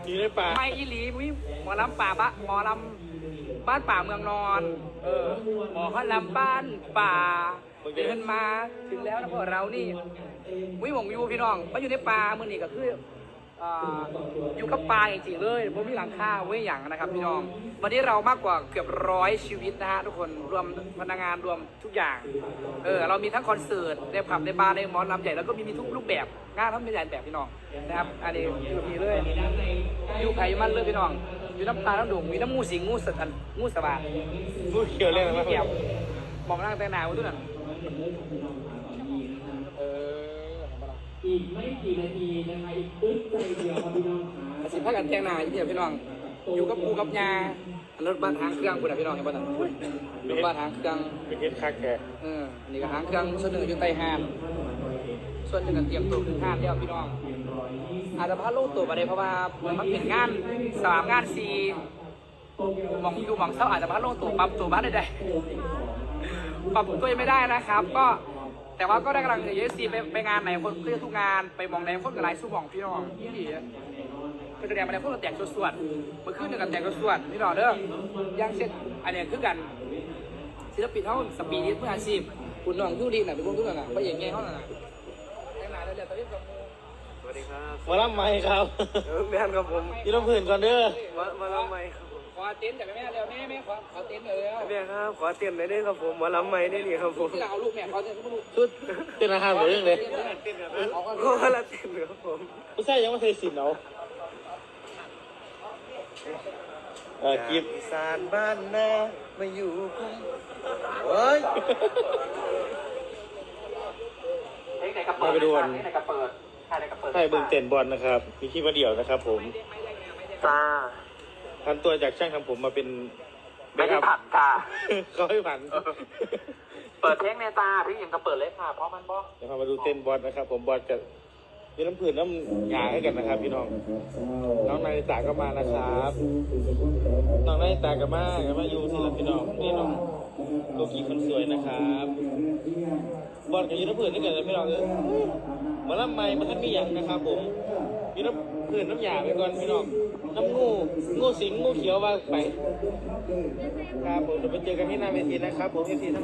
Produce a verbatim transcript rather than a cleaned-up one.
อยู่ในป่าไม่อีหลีมุ้ยหมอลำป่าบะหมอลำบ้านป่าเมืองนอนเออหมอเขาลำบ้านป่าเดินมาถึงแล้วนะพวกเรานี่มุ้ยหมองอยู่พี่น้องมาอยู่ในป่าเมื่อนี่ก็คืออ่าอยู่กับป่าจริงๆเลยผมมีหลังคาไว้อย่างนะครับพี่น้องวันนี้เรามากกว่าเกือบร้อยชีวิตนะฮะทุกคนรวมพนักงานรวมทุกอย่างเออเรามีทั้งคอนเสิร์ตในผับในบาร์ในหมอลำใหญ่แล้วก็มีมีทุกรูปแบบงานทั้งใหญ่แบบพี่น้องนะครับอันนี้อยู่ที่เลยอยู่ไผ่มันเลยพี่น้องอยู่น้ำตาน้ำดุ่งมีน้ำมูสิงงูสันงูสบาพูดเกี่ยวเรื่องอะไรเกี่ยวมองนั่งแต่หนาวทุกนั้นเอออีกไม่กี่นาทีนะคะอีกอึ๊บใจเดียวครับพี่น้องขาสิพักกันแทงหนาอยู่เดียวพี่น้องอยู่กับปูกับยารถบ้านหางเครื่องคุณนะพี่น้องเห็นป่ะนั่นรถบ้านหางเครื่องเป็นเฮ็ดคักแกเออนี่ก็หางเครื่องส่วนหนึ่งอยู่ใต้ห้างส่วนหนึ่งก็เตรียมตัวขึ้นห้างแล้วพี่น้องอาจจะพลาดโลกตัวไปเลยเพราะว่ามันเป็นงานสามงานสี่มองอยู่มองเศร้าอาจจะพลาดโลกตัวปรับตัวบ้านได้ปรับตัวยังไม่ได้นะครับ ก็แต่ว่าก็ได้กำลังเยอะซีไปไปงานไหนคนก็จะทุกงานไปมองไหนคนกับไรสู้มองพี่น้องนี่ดีก็แสดงมาในพวกเราแต่งสวดๆเมื่อคืนหนึ่งกันแต่งสวดพี่น้องเด้อย่างเช่นอันนี้คือกันศิลปินเขาสปีดเพื่ออาชีพคุณน้องยูรีน่ะเป็นพวกทุกคนน่ะไปอย่างเงี้ยเขาน่ะแต่งหน้าเรื่อยๆตอนนี้กับมูสวัสดีครับมาล่ำไม้ครับเออแม่นครับผมยี่ต้องผื่นก่อนเด้อมามาลำไม้ครับผมขอเต็นท์จากแม่เร็วแม่แม่ขอขอเต็นท์เลยแล้วแม่ครับขอเตรียมหน่อยได้ครับผมมาลำไม้ได้นี่ครับผมที่เราเอาลูกแม่ขอเต็นท์ลูกชุดเต้นอาหารหรือเรื่องเลยเอาก็ก็ละเต็มครับผมผู้ชายยังไม่เคยสินเอาเออกิบอีสานบ้านนามาอยู่กันโอ้ยมาไปดูกันไหนกระเปิดไหนกระเปิดให้เบิ่งเต้นบอลนะครับ มีคลิปมาเดี่ยวนะครับผมตาพันตัวจากช่างทำผมมาเป็นไม่ได้ผันค่ะเขาให้ผันเปิดเพลงในตาพี่ยังกระเปิดเลยค่ะเพราะมันบอกเดี๋ยวพามาดูเต้นบอลนะครับ ผมบอลกับมีน้ำผื่นน้ำหยาให้กันนะครับ พี่น้อง น้องนายตาก็มานะครับ น้องนายตาก็มาก็มาอยู่ที่รับพี่น้องนี่น้องโลกีคนสวยนะครับ บอลกับยูน้ำผื่นนี่กันเลยพี่น้องเลยมาล่ำไม้มาท่านมีอย่างนะครับผมยูน้ำผื่นน้ำหยาไปก่อนพี่น้อง น้ำงูงูสิงงูเขียวว่าไปครับผมเดี๋ยวไปเจอกันที่หน้าเวทีนะครับผมเอฟซีทั้ง